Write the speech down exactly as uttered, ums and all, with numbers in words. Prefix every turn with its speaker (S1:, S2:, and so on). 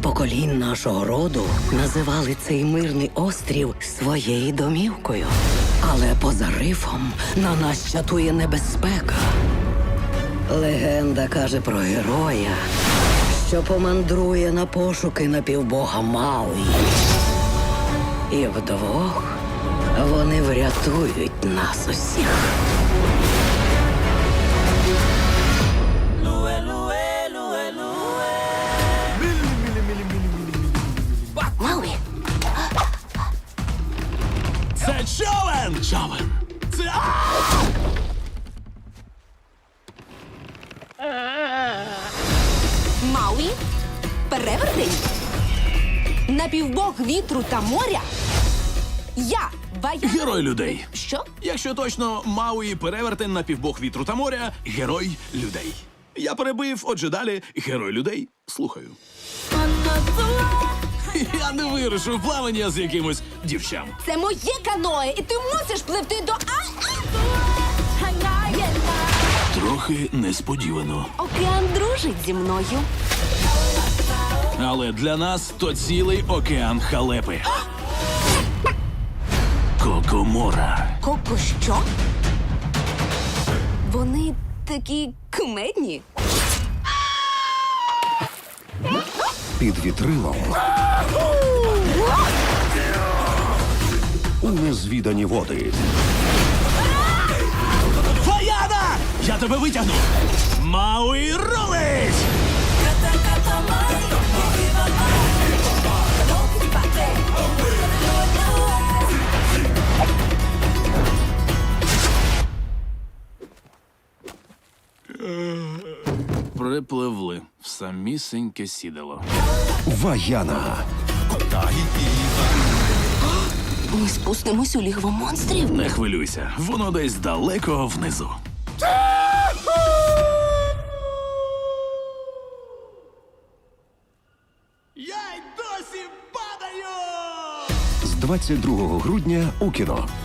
S1: поколінь нашого роду називали цей мирний острів своєю домівкою. Але поза рифом на нас чатує небезпека. Легенда каже про героя, що помандрує на пошуки напівбога Мауї. І вдвох вони врятують нас усіх.
S2: Мауі,
S3: Це човен! Човен! Це...
S2: Мауі, перевертень, напівбог вітру та моря. Я, Вая...
S3: Герой людей.
S2: Що?
S3: Якщо точно, Мауї перевертень на півбог вітру та моря, герой людей. Я перебив, отже далі, герой людей. Слухаю. Я не вирушу в плавання з якимось дівчам.
S2: Це моє каное, і ти мусиш пливти до... А-а!
S3: Трохи несподівано.
S2: Океан дружить зі мною.
S3: Але для нас то цілий океан халепи. Кокомора.
S2: Коко що? Вони такі кумедні.
S4: Під вітрилом у незвідані води.
S3: Фаяна! Я тебе витягну! Мауї рулить! Припливли в самісіньке сідало.
S4: Ваяна.
S2: Ми спустимось у лігво монстрів.
S3: Не хвилюйся, воно десь далеко внизу. Я й досі падаю!
S4: З двадцять другого грудня у кіно.